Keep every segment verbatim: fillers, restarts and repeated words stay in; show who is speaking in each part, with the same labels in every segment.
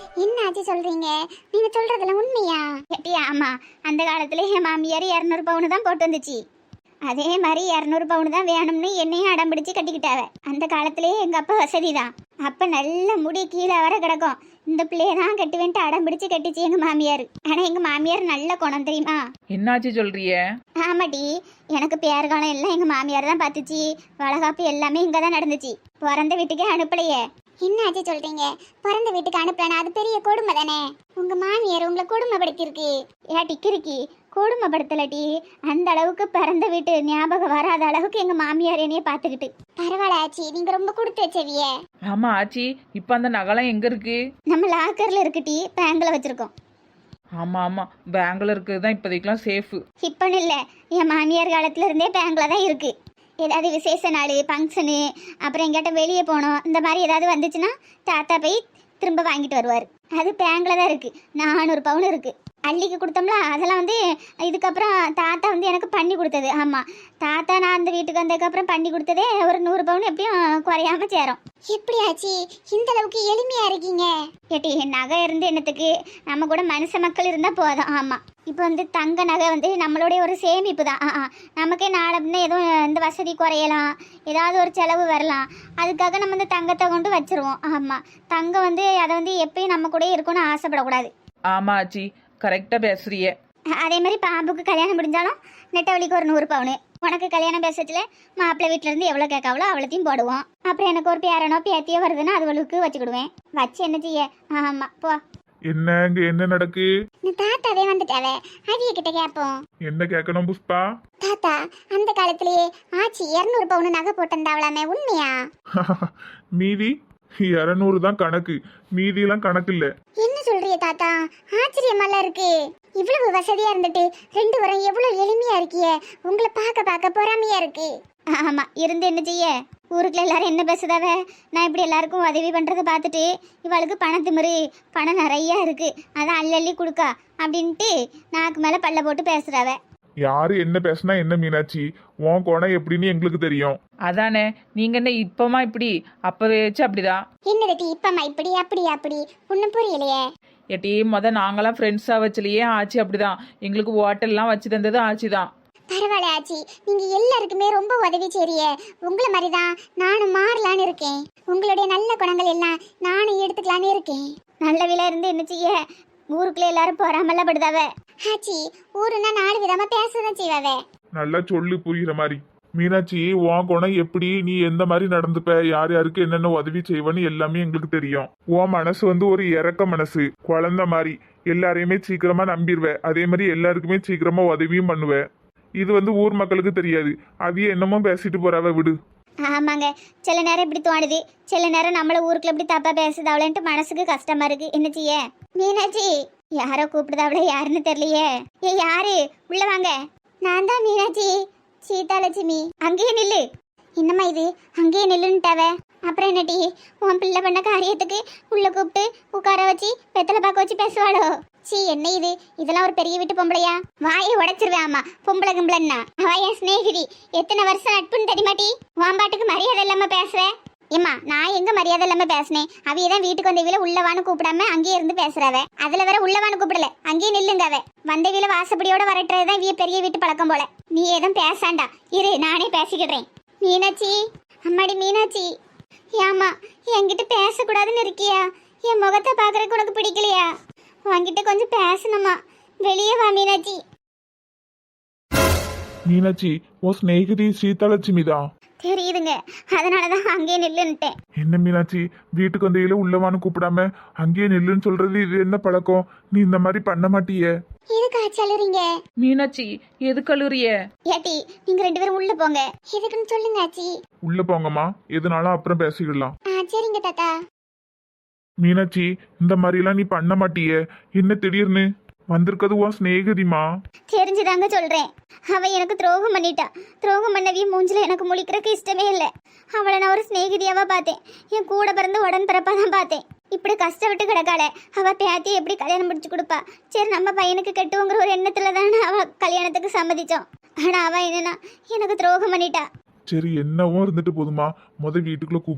Speaker 1: என்ன ஆச்சு சொல்றீங்க? நீங்க சொல்றதெல்லாம் உண்மையா?
Speaker 2: ஏட்டி ஆமா, அந்த காலத்துல என் மாமியார் இரநூறு பவுனு தான் போட்டு வந்துச்சு. அதே மாதிரி இரநூறு பவுனு தான் வேணும்னு என்னையும் அடம் பிடிச்சு கட்டிக்கிட்டாவ. அந்த காலத்திலேயே எங்க அப்பா வசதி தான். அப்ப நல்ல முடி கீழே வர கிடக்கும். இந்த பிள்ளைய தான் கட்டுவேன்ட்டு அடம் பிடிச்சு கட்டிச்சு எங்க மாமியார். ஆனா எங்க மாமியார் நல்ல குணம் தெரியுமா?
Speaker 3: என்னாச்சு சொல்றிய?
Speaker 2: ஆமாடி, எனக்கு பேர் காலம் எல்லாம் எங்க மாமியார் தான் பார்த்துச்சு. வளகாப்பு எல்லாமே இங்க தான் நடந்துச்சு. பிறந்த வீட்டுக்கே அனுப்பலையே.
Speaker 1: என்ன ஆச்சு சொல்றீங்க? பிறந்த வீட்டுக்கு அனுப்பலனா அது பெரிய கொடுமை தானே? உங்க மாமியார் உங்களை கொடுமைப்படுத்திருக்கு.
Speaker 2: ஏட்டி கிறுக்கி, கொடுமைப்படுத்தலட்டி. அந்த அளவுக்கு பிறந்த வீட்டு ஞாபகம் வராத அளவுக்கு எங்க மாமியார் என்னைய பார்த்துக்கிட்டு.
Speaker 1: பரவாயில்ல ஆச்சி, நீங்க ரொம்ப கொடுத்து வச்சவிய.
Speaker 3: ஆமா ஆச்சி, இப்ப அந்த நகைலாம் எங்க இருக்கு?
Speaker 2: நம்ம லாக்கர்ல இருக்குட்டி, பேங்க்ல வச்சிருக்கோம்.
Speaker 3: ஆமா ஆமா, பேங்க்ல இருக்கிறது தான் இப்போதைக்கெல்லாம் சேஃபு.
Speaker 2: இப்பன்னு இல்லை, என் மாமியார் காலத்துல இருந்தே பேங்க்ல தான் இருக்கு. ஏதாவது விசேஷ நாள், ஃபங்க்ஷனு, அப்புறம் எங்கிட்ட வெளியே போனோம், இந்த மாதிரி ஏதாவது வந்துச்சுன்னா தாத்தா போய் திரும்ப வாங்கிட்டு வருவார். அது பேங்க்ல தான் இருக்கு. நானூறு பவுன் இருக்கு. அள்ளிக்கு கொடுத்தோம்ல, அதெல்லாம் வந்து இதுக்கப்புறம் தாத்தா வந்து எனக்கு பண்ணி கொடுத்தது. ஆமாம், தாத்தா நான் அந்த வீட்டுக்கு வந்ததுக்கப்புறம் பண்ணி கொடுத்ததே ஒரு நூறு பவுன் எப்படியும் குறையாம சேரும்.
Speaker 1: எப்படி ஆச்சி இந்த அளவுக்கு எளிமையா இருக்கீங்க?
Speaker 2: ஏட்டி, நகை இருந்து என்னத்துக்கு? நம்ம கூட மனுஷ மக்கள் இருந்தால் போதும். ஆமாம், இப்போ வந்து தங்க நகை வந்து நம்மளுடைய ஒரு சேமிப்பு தான். ஆ நமக்கே நாளை எதுவும் இந்த வசதி குறையலாம், ஏதாவது ஒரு செலவு வரலாம். அதுக்காக நம்ம இந்த தங்கத்தை கொண்டு வச்சிருவோம். ஆமாம், தங்கம் வந்து அதை வந்து எப்பயும் நம்ம கூட இருக்கணும்னு ஆசைப்படக்கூடாது.
Speaker 3: ஆமா ஆச்சி, கரெக்டா பேசுறிய.
Speaker 2: அதே மாதிரி பாம்புக்கு கல்யாணம் முடிஞ்சாலும் நெட்டவழிக்கு ஒரு நூறு பவுனு. உனக்கு கல்யாணம் பேசத்துல மாப்பிள்ளை வீட்டுல இருந்து எவ்வளவு கேட்காவளோ அவ்வளோத்தையும் போடுவோம். அப்புறம் எனக்கு ஒரு பேரனோ பேத்தியோ வருதுன்னா அதுவளுக்கு வச்சுக்கிடுவேன். வச்சு என்ன செய்ய? ஆமா போ.
Speaker 4: என்ன இங்க என்ன நடக்கு?
Speaker 1: இந்த தாத்தாவே வந்துட்டாவே, அவிய கிட்ட கேட்போம்.
Speaker 4: என்ன கேட்கணும் புஷ்பா?
Speaker 1: தாத்தா, அந்த காலத்திலேயே ஆச்சி இருநூறு பவுன் நகை போட்டிருந்தாவளாமே, உண்மையா?
Speaker 4: மீதி இருநூறு தான் கணக்கு, மீதி எல்லாம் கணக்கு இல்ல.
Speaker 1: என்ன சொல்றிய தாத்தா? ஆச்சரியமால இருக்கு. இவ்வளவு வசதியா இருந்துட்டு ரெண்டு வரம் எவ்வளவு எளிமையா இருக்கிய. உங்களை பார்க்க பார்க்க பொறாமையா இருக்கு.
Speaker 2: ஆமா, இருந்து என்ன செய்ய? ஊருக்குள்ள எல்லாரும் என்ன பேசுதாவ? நான் இப்படி எல்லாருக்கும் உதவி பண்றதை பார்த்துட்டு இவளுக்கு பணத்திமிரு, பணம் நிறைய இருக்கு, அதான் அள்ளி அள்ளி கொடுக்கா அப்படின்ட்டு நாக்கு மேல பல்ல போட்டு பேசுறாவ.
Speaker 4: யாரு என்ன பேசினா என்ன மீனாட்சி, உன் கோணம் எப்படின்னு எங்களுக்கு தெரியும்.
Speaker 3: அதானே, நீங்க என்ன இப்பமா இப்படி, அப்பவே வச்சு அப்படிதான்.
Speaker 1: என்னது இப்பமா இப்படி அப்படி அப்படி ஒன்னும் புரியலையே.
Speaker 3: ஏட்டி, முத நாங்களாம் ஃப்ரெண்ட்ஸா வச்சுலையே ஆச்சி அப்படிதான். எங்களுக்கு ஹோட்டல்லாம் வச்சு தந்தது ஆச்சி தான்.
Speaker 1: பரவாயில்ல ஆச்சி, நீங்க எல்லாருக்குமே ரொம்ப உதவி செய்றிய. உங்களை மாதிரிதான் நானும் மாறலான்னு இருக்கேன். உங்களுடைய நல்ல குணங்கள் எல்லாம் நானும் எடுத்துக்கலான்னு இருக்கேன்.
Speaker 2: நல்ல விலை இருந்து என்ன செய்ய? ஊருக்குள்ள எல்லாரும் போறாமல்ல படுதாவ.
Speaker 1: ஆச்சி, ஊருன்னா நாலு விதமா பேசதான் செய்வாவே.
Speaker 4: நல்லா சொல்லு புரியுற மாதிரி. மீனாட்சி, உன் குணம் எப்படி, நீ எந்த மாதிரி நடந்துப்ப, யார் யாருக்கு என்னென்ன உதவி செய்வன்னு எல்லாமே எங்களுக்கு தெரியும். உன் மனசு வந்து ஒரு இறக்க மனசு, குழந்த மாதிரி. எல்லாரையுமே சீக்கிரமா நம்பிடுவ, அதே மாதிரி எல்லாருக்குமே சீக்கிரமா உதவியும் பண்ணுவ. இது வந்து ஊர் மக்களுக்கு தெரியாது. அதையே என்னமோ பேசிட்டு போறவ, விடு.
Speaker 2: ஆமாங்க, சில நேரம் இப்படி தோணுது, சில நேரம் நம்மள ஊருக்குள்ள இப்படி தப்பா பேசுதாவளேன்ட்டு மனசுக்கு கஷ்டமா இருக்கு. என்ன செய்ய? மீனாட்சி, யாரோ கூப்பிடுதாவளே, யாருன்னு தெரியலையே. ஏ யாரு? உள்ள வாங்க.
Speaker 1: நான் தான் மீனாட்சி, சீதாலட்சுமி.
Speaker 2: அங்கேயே நில்லு.
Speaker 1: என்னம்மா இது, அங்கேயே நில்லுன்ட்டாவ?
Speaker 2: அப்புறம் என்னடி, உன் பிள்ளை பண்ண காரியத்துக்கு உள்ள கூப்பிட்டு உட்கார வச்சு வெத்தலை பார்க்க வச்சு பேசுவாளோ?
Speaker 1: சீ, என்ன இது? இதெல்லாம் ஒரு பெரிய வீட்டு பொம்பளையா?
Speaker 2: வாயை உடைச்சிருவேன். ஆமா, பொம்பளை கும்பளன்னா அவ என் ஸ்நேகிதி. எத்தனை வருஷம் நட்புன்னு தெரியுமாட்டி? வாம்பாட்டுக்கு மரியாதை இல்லாம பேசுவேன். ஏம்மா, நான் எங்க மரியாதை இல்லாம பேசினேன்? அவைய தான் வீட்டுக்கு வந்தவில உள்ளவான்னு கூப்பிடாம அங்கேயே இருந்து பேசுறவ. அதுல வேற உள்ளவான்னு கூப்பிடல, அங்கேயே நில்லுங்கவ. வந்தவில வாசப்படியோட வரட்டுறதுதான் இவைய பெரிய வீட்டு பழக்கம் போல. நீ எதுவும் பேசாண்டா, இரு நானே பேசிக்கிடுறேன்.
Speaker 1: மீனாட்சி,
Speaker 2: அம்மாடி மீனாட்சி, ஏமா என்கிட்ட பேசக்கூடாதுன்னு இருக்கியா? என் முகத்தை பாக்குறதுக்கு உனக்கு பிடிக்கலையா? உன்கிட்ட கொஞ்சம் பேசணுமா? வெளியே வா மீனாட்சி.
Speaker 4: மீனாட்சி, உன் ஸ்நேகிதி சீதாலட்சுமி தான்.
Speaker 2: தெரியுதுங்க, அதனாலதான் அங்கேயே நில்லுன்ட்டேன்.
Speaker 4: என்ன மீனாட்சி, வீட்டுக்கு வந்தையில உள்ளவான்னு கூப்பிடாம அங்கேயே நில்லுன்னு சொல்றது இது என்ன பழக்கம்? நீ இந்த மாதிரி பண்ண மாட்டியே.
Speaker 1: எதுக்கு ஆச்சி அழுறீங்க?
Speaker 3: மீனாட்சி, எது கல்லூரிய?
Speaker 2: ஏட்டி, நீங்க ரெண்டு பேரும் உள்ள போங்க.
Speaker 1: எதுக்குன்னு சொல்லுங்க ஆச்சி.
Speaker 4: உள்ள போங்கம்மா, எதுனாலும் அப்புறம் பேசிக்கலாம்.
Speaker 1: ஆ சரிங்க தாத்தா.
Speaker 4: மீனாட்சி, இந்த மாதிரிலாம் நீ பண்ண மாட்டியே, என்ன திடீர்னு வந்திருக்கிறது? உன் ஸ்நேகிதிமா.
Speaker 2: தெரிஞ்சுதாங்க சொல்றேன். அவ எனக்கு துரோகம் பண்ணிட்டா. துரோகம் பண்ணவி மூஞ்சில எனக்கு முழிக்கிறதுக்கு இஷ்டமே இல்லை. அவளை நான் ஒரு ஸ்நேகிதியாவா பார்த்தேன். என் கூட பிறந்து உடன் பிறப்பா தான் பார்த்தேன். இப்படி கஷ்டப்பட்டு கிடக்காள, அவ பேத்தியை எப்படி கல்யாணம் முடிச்சு கொடுப்பா? சரி, நம்ம பையனுக்கு கட்டுவோங்கிற ஒரு எண்ணத்துல தானே அவ கல்யாணத்துக்கு சம்மதிச்சோம். ஆனா அவ என்னன்னா எனக்கு துரோகம் பண்ணிட்டா.
Speaker 4: சரி, என்னவோ இருந்துட்டு போதுமா, முத வீட்டுக்குள்ள கூப்பிடு.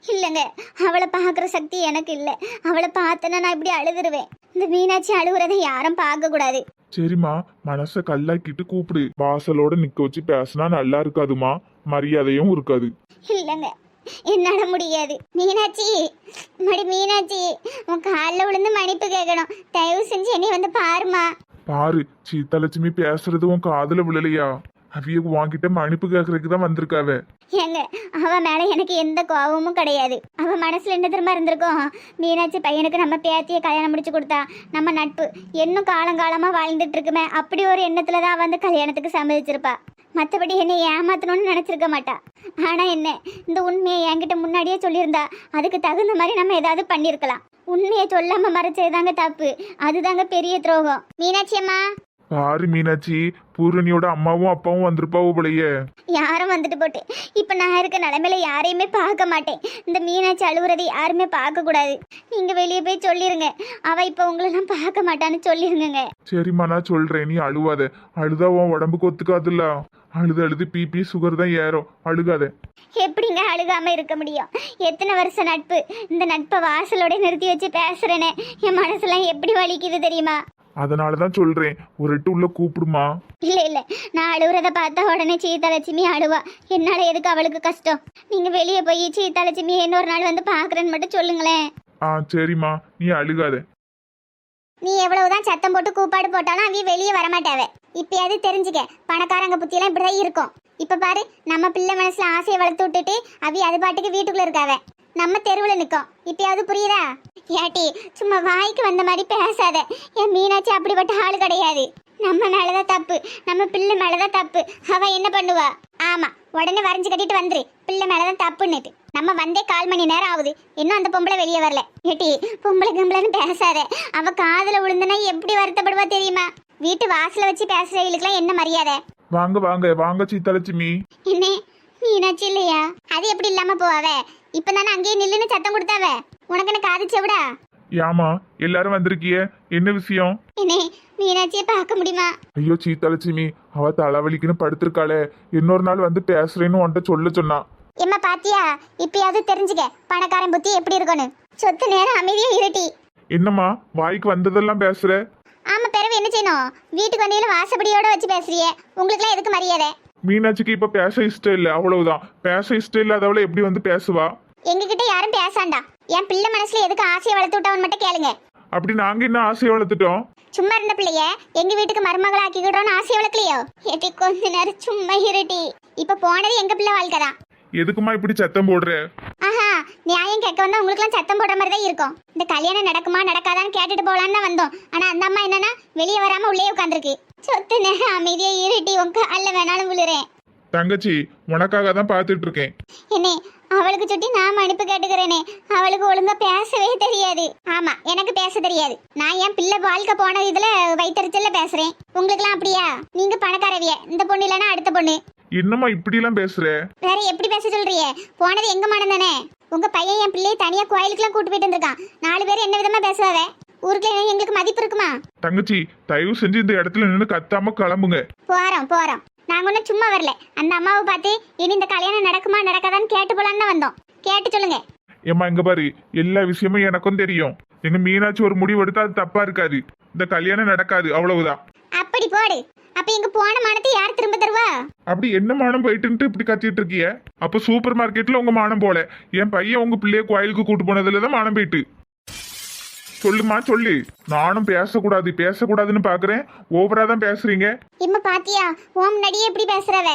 Speaker 2: இல்லைங்க, அவளை பார்க்குற சக்தி எனக்கு இல்லை. அவளை பார்த்தேன்னா நான் இப்படி அழுதுருவேன். இந்த மீனாட்சி அழுகுறதை யாரும் பார்க்க கூடாது.
Speaker 4: சரிம்மா, மனசை கல்லாக்கிட்டு கூப்பிடு. வாசலோட நிக்க வச்சு பேசினா நல்லா இருக்காதுமா, மரியாதையும் இருக்காது.
Speaker 2: இல்லைங்க, என்னால முடியாது. மீனாட்சி, மடி மீனாட்சி, உன் காலில் விழுந்து மன்னிப்பு கேட்கணும். தயவு செஞ்சு என்னை வந்து பாருமா.
Speaker 4: பாரு, சீதாலட்சுமி பேசுறது உன் காதுல விழலையா? அவிய வாங்கிட்ட மன்னிப்பு கேட்கறதுக்கு தான் வந்திருக்காவ.
Speaker 2: ஏங்க, அவ மேல எனக்கு எந்த கோபமும் கிடையாது. அவ மனசுல என்ன திரும்ப இருந்திருக்கோம், மீனாட்சி பையனுக்கு நம்ம பேத்திய கல்யாணம் முடிச்சு கொடுத்தா நம்ம நட்பு இன்னும் காலங்காலமா வாழ்ந்துட்டு இருக்குமே, அப்படி ஒரு எண்ணத்துலதான் வந்து கல்யாணத்துக்கு சம்மதிச்சிருப்பா. மற்றபடி என்னை ஏமாத்தணும்னு நினைச்சிருக்க மாட்டா. ஆனா என்ன, இந்த உண்மையை என்கிட்ட முன்னாடியே சொல்லியிருந்தா அதுக்கு தகுந்த மாதிரி நம்ம ஏதாவது பண்ணிருக்கலாம். உண்மையை சொல்லாம மறைச்சதுதாங்க தப்பு. அதுதாங்க பெரிய துரோகம். மீனாட்சி அம்மா.
Speaker 4: பாரு மீனாட்சி, பூரணியோட அம்மாவும் அப்பாவும் வந்திருப்பாவோ போலயே.
Speaker 2: யாரும் வந்துட்டு போட்டு இப்ப நான் இருக்க நிலைமையில யாரையுமே பார்க்க மாட்டேன். இந்த மீனாட்சி அழுகுறதை யாருமே பார்க்க கூடாது. நீங்க வெளியே போய் சொல்லிருங்க, அவ இப்ப உங்களை எல்லாம் பார்க்க மாட்டான்னு சொல்லிருங்க.
Speaker 4: சரிம்மா, நான் சொல்றேன், நீ அழுவாத. அழுதா உன் உடம்புக்கு ஒத்துக்காதுல்ல. அழுது அழுது பிபி சுகர் தான் ஏறும். அழுகாத.
Speaker 2: எப்படிங்க அழுகாம இருக்க முடியும்? எத்தனை வருஷம் நட்பு. இந்த நட்பை வாசலோட நிறுத்தி வச்சு பேசுறேனே, என் மனசுலாம் எப்படி வலிக்குது தெரியுமா?
Speaker 4: அதனாலதான் சொல்றேன், ஒரு எட்டு உள்ள கூப்பிடுமா.
Speaker 2: இல்ல இல்ல, நான் அழுகுறத பார்த்தா உடனே சீதாலட்சுமி அழுவா. என்னால எதுக்கு அவளுக்கு கஷ்டம்? நீங்க வெளியே போய் சீதாலட்சுமி இன்னொரு நாள் வந்து பாக்குறேன்னு மட்டும் சொல்லுங்களேன்.
Speaker 4: ஆ சரிம்மா, நீ அழுகாத.
Speaker 2: நீ எவ்வளவுதான் சத்தம் போட்டு கூப்பாடு போட்டாலும் அவிய வெளியே வரமாட்டாவ. இப்பயாவது தெரிஞ்சுக்க, பணக்காரங்க புத்தியெல்லாம் இப்படிதான் இருக்கும். இப்ப பாரு, நம்ம பிள்ளை மனசுல ஆசையை வளர்த்து விட்டுட்டு அவி அது பாட்டுக்கு வீட்டுக்குள்ள இருக்காவ. நம்ம தெருவில் நிற்கும். இப்பயாவது புரியுதா? ஏட்டி, சும்மா வாய்க்கு வந்த மாதிரி பேசாத. என் மீனாட்சி அப்படிப்பட்ட ஆள் கிடையாது. நம்ம மேலதான் தப்பு, நம்ம பிள்ளை மேலதான் தப்பு. அவ என்ன பண்ணுவா? ஆமா, உடனே வரைஞ்சு கட்டிட்டு வந்துரு, பிள்ளை மேலதான் தப்புன்னுட்டு. நம்ம வந்தே கால் மணி நேரம் ஆகுது, இன்னும் அந்த பொம்பளை வெளியே வரல. ஏட்டி, பொம்பளை பொம்பளைன்னு பேசாத. அவ காதுல விழுந்தனா எப்படி வருத்தப்படுவா தெரியுமா? வீட்டு வாசல வச்சு பேசுறவங்களுக்குலாம் என்ன மரியாதை?
Speaker 4: வாங்க வாங்க வாங்க சீதாலட்சுமி.
Speaker 2: என்ன மீனாட்சி இல்லையா? அது எப்படி இல்லாம போவாவ? இப்பதானே அங்கேயே நில்லுன்னு சத்தம் கொடுத்தாவ. உனக்கு என்ன காது செவிடா?
Speaker 4: ஏமா எல்லாரும் வந்திருக்கிய, என்ன விஷயம்?
Speaker 2: என்ன, மீனாட்சியை பார்க்க முடியுமா?
Speaker 4: ஐயோ சீதாலட்சுமி, அவ தலைவலிக்குன்னு படுத்திருக்காளே, இன்னொரு நாள் வந்து பேசுறேன்னு உன்கிட்ட சொல்ல சொன்னா.
Speaker 2: எம்மா பாத்தியா, இப்பயாவது தெரிஞ்சுக்க பணக்காரன் புத்தி எப்படி இருக்கும்னு. சொத்து நேரம் அமைதியா இருட்டி.
Speaker 4: என்னம்மா வாய்க்கு வந்ததெல்லாம் பேசுற?
Speaker 2: ஆமா, பிறகு என்ன செய்யணும்? வீட்டுக்கு வண்டியில வாசப்படியோட வச்சு பேசுறியே, உங்களுக்குலாம் எதுக்கு மரியாதை?
Speaker 4: மீனாட்சிக்கு இப்ப பேச இஷ்டம் இல்ல, அவ்வளவுதான். பேச இஷ்டம் இல்லாதவளை எப்படி வந்து பேசுவா?
Speaker 2: எங்ககிட்ட யாரும் பேசாண்டா. என் பிள்ளை மனசுல எதுக்கு ஆசையை வளர்த்து விட்டவன் மட்டும் கேளுங்க.
Speaker 4: அப்படி நாங்க என்ன ஆசையை வளர்த்துட்டோம்?
Speaker 2: சும்மா இருந்த பிள்ளைய எங்க வீட்டுக்கு மருமகள் ஆக்கிக்கிட்டோன்னு ஆசையை வளர்க்கலையோ? ஏட்டி, கொஞ்ச நேரம் சும்மா இருட்டி. இப்ப போனது எங்க பிள்ளை வாழ்க்கை தான்.
Speaker 4: எதுக்குமா இப்படி சத்தம் போடுற?
Speaker 2: ஆஹா, நியாயம் கேட்க வந்தா உங்களுக்குலாம் சத்தம் போடுற மாதிரி தான் இருக்கும். இந்த கல்யாணம் நடக்குமா நடக்காதான்னு கேட்டுட்டு போலான்னு தான் வந்தோம். ஆனா அந்த அம்மா என்னன்னா வெளியே வராம உள்ளே உட்காந்துருக்கு. சொத்து நேரம் அமைதியா இருட்டி, உங்க அல்ல வேணாலும் விழுறேன்.
Speaker 4: தங்கச்சி, உனக்காக தான் பாத்துட்டு இருக்கேன்.
Speaker 2: என்னே, அவளுக்கு சுட்டி நான் மன்னிப்பு கேட்டுக்கிறேனே. அவளுக்கு ஒழுங்கா பேசவே தெரியாது. ஆமா, எனக்கு பேச தெரியாது. நான் என் பிள்ளை வாழ்க்கை போன இதுல வைத்தறிச்சல்ல பேசுறேன். உங்களுக்குலாம் அப்படியா? நீங்க பணக்காரவிய, இந்த பொண்ணு இல்லைன்னா அடுத்த பொண்ணு.
Speaker 4: என்னம்மா இப்படி எல்லாம் பேசுற?
Speaker 2: வேற எப்படி பேச சொல்றியே? போனது எங்க மனம் தானே. உங்க பையன் என் பிள்ளையை தனியா கோயிலுக்குலாம் கூட்டு போயிட்டு இருந்திருக்கான். நாலு பேர் என்ன விதமா பேசுவாவே? ஊருக்குள்ள எங்களுக்கு மதிப்பு இருக்குமா?
Speaker 4: தங்கச்சி, தயவு செஞ்சு இந்த இடத்துல நின்று கத்தாம கிளம்புங்க.
Speaker 2: போறோம் போறோம். நாங்க ஒன்னும் சும்மா வரல. அந்த அம்மாவை பார்த்து இனி இந்த கல்யாணம் நடக்குமா நடக்காதான்னு கேட்டு போலான்னு வந்தோம். கேட்டு சொல்லுங்க.
Speaker 4: ஏம்மா இங்க பாரு, எல்லா விஷயமும் எனக்கும் தெரியும். எங்க மீனாட்சி ஒரு முடிவு எடுத்தா அது தப்பா இருக்காது. இந்த கல்யாணம் நடக்காது, அவ்வளவுதான்.
Speaker 2: அப்படி போடு. அப்ப இங்க போன மானத்தை யார் திரும்ப தருவா?
Speaker 4: அப்படி என்ன மானம் போயிட்டு இப்படி கத்திட்டு இருக்கிய? அப்ப சூப்பர் மார்க்கெட்ல உங்க மானம் போல, என் பையன் உங்க பிள்ளைய கோயிலுக்கு கூட்டு போனதுலதான் மானம் போயிட்டு. சொல்லுமா சொல்லு. நானும் பேசக்கூடாது பேசக்கூடாதுன்னு பாக்குறேன், ஓவரா தான் பேசுறீங்க.
Speaker 2: இம்ம பாத்தியா, ஓம் நடியே எப்படி பேசுறவ?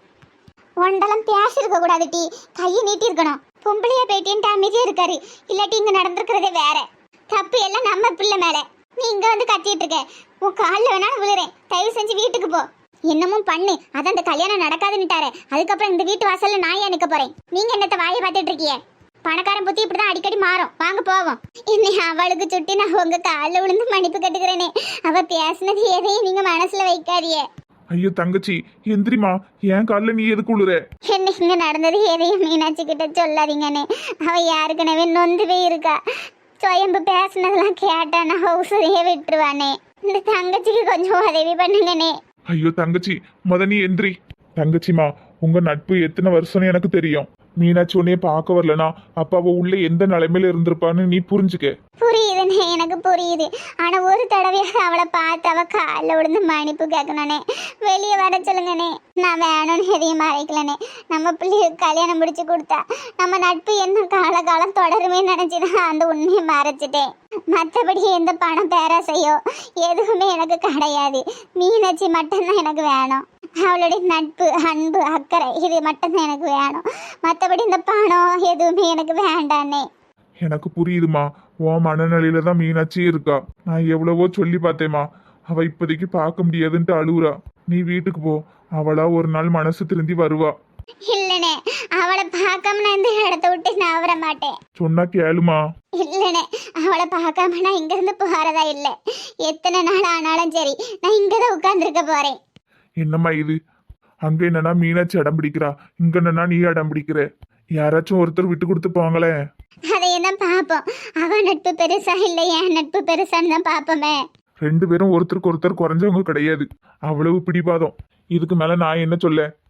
Speaker 2: ஒண்டலம் பேசிருக்க கூடாது டி, கையை நீட்டி இருக்கணும். பொம்பளையா பேட்டின்ட்டு அமைதியா இருக்காரு. இல்லாட்டி இங்க நடந்திருக்கிறதே வேற. தப்பு எல்லாம் நம்ம பிள்ளை மேல. நீ இங்க வந்து கத்திட்டு இருக்க. உன் காலில் வேணாலும் விழுறேன். தயவு செஞ்சு வீட்டுக்கு போ. என்னமும் பண்ணு. அதான் இந்த கல்யாணம் நடக்காதுன்னுட்டாரு. அதுக்கப்புறம் இந்த வீட்டு வாசல்ல நான் ஏன் நிக்க போறேன்? நீங்க என்னத்த வாயை பார்த்துட்டு இருக்கிய? பணக்காரன் புத்தி இப்படிதான் அடிக்கடி மாறும். வாங்க போவோம். என்னை அவளுக்கு சுட்டி நான் உங்க காலில் விழுந்து மன்னிப்பு கட்டுக்கிறேனே. அவ பேசினது எதையும் நீங்க மனசுல வைக்காதிய.
Speaker 4: ஐயோ தங்கச்சி, எந்திரிமா. என் காலில் நீ எதுக்கு விழுற?
Speaker 2: என்ன இங்க நடந்தது எதையும் மீனாட்சி கிட்ட சொல்லாதீங்கண்ணே. அவ யாருக்குனவே நொந்து போய் இருக்கா. சுயம்பு பேசினதெல்லாம் கேட்டா நான் ஹவுசரையே விட்டுருவானே. இந்த தங்கச்சிக்கு கொஞ்சம் உதவி பண்ணுங்கண்ணே.
Speaker 4: ஐயோ தங்கச்சி, முத நீ எந்திரி. தங்கச்சிமா, உங்க நட்பு எத்தனை வருஷம்னு எனக்கு தெரியும். மீனாட்சி உன்னைய பார்க்க வரலனா அப்ப அவ உள்ள எந்த நிலைமையில இருந்திருப்பான்னு நீ புரிஞ்சுக்க.
Speaker 2: புரியுதுண்ணே, எனக்கு புரியுது. ஆனா ஒரு தடவையாக அவளை பார்த்து அவ காலில் விழுந்து மன்னிப்பு கேட்கணுண்ணே. வெளியே வர சொல்லுங்கண்ணே. நான் வேணும்னு எதையும் மறைக்கலண்ணே. நம்ம பிள்ளைகளுக்கு கல்யாணம் முடிச்சு கொடுத்தா நம்ம நட்பு என்ன காலகாலம் தொடருமே நினைச்சுதான் அந்த உண்மையை மறைச்சிட்டேன். மற்றபடி எந்த பணம் பேராசையோ எதுவுமே எனக்கு கிடையாது. மீனாட்சி மட்டும்தான் எனக்கு வேணும். அவளுடைய நட்பு, அன்பு, அக்கறை இது மட்டும்தான் எனக்கு வேணும். மற்றபடி இந்த பணம் எதுவுமே எனக்கு வேண்டாண்ணே.
Speaker 4: எனக்கு புரியுதுமா, உன் மனநிலையில தான் மீனாட்சி இருக்கா. நான் எவ்வளவோ சொல்லி பார்த்தேம்மா, அவ இப்போதைக்கு பார்க்க முடியாதுன்ட்டு அழுவுறா. நீ வீட்டுக்கு போ, அவளா ஒரு நாள் மனசு திருந்தி வருவா.
Speaker 2: இல்லனே, அவளை பார்க்காம நான் இந்த இடத்த விட்டு நான் வர மாட்டேன்.
Speaker 4: சொன்னா கேளுமா.
Speaker 2: இல்லனே, அவளை பார்க்காம நான் இங்க இருந்து போறதா இல்லை. எத்தனை நாள் ஆனாலும் சரி நான் இங்கதான் உட்கார்ந்துருக்க போறேன்.
Speaker 4: என்னம்மா இது? அங்க என்னன்னா மீனாட்சி அடம் பிடிக்கிறா, இங்க என்னன்னா நீ அடம் பிடிக்கிற. யாராச்சும் ஒருத்தர் விட்டு கொடுத்து போங்களே.
Speaker 2: அதையெல்லாம் பார்ப்போம். அவ நட்பு பெருசா இல்லை என் நட்பு பெருசான்னு தான் பார்ப்போமே.
Speaker 4: ரெண்டு பேரும் ஒருத்தருக்கு ஒருத்தர் குறைஞ்சவங்க கிடையாது. அவ்வளவு பிடிவாதம். இதுக்கு மேல நான் என்ன சொல்ல?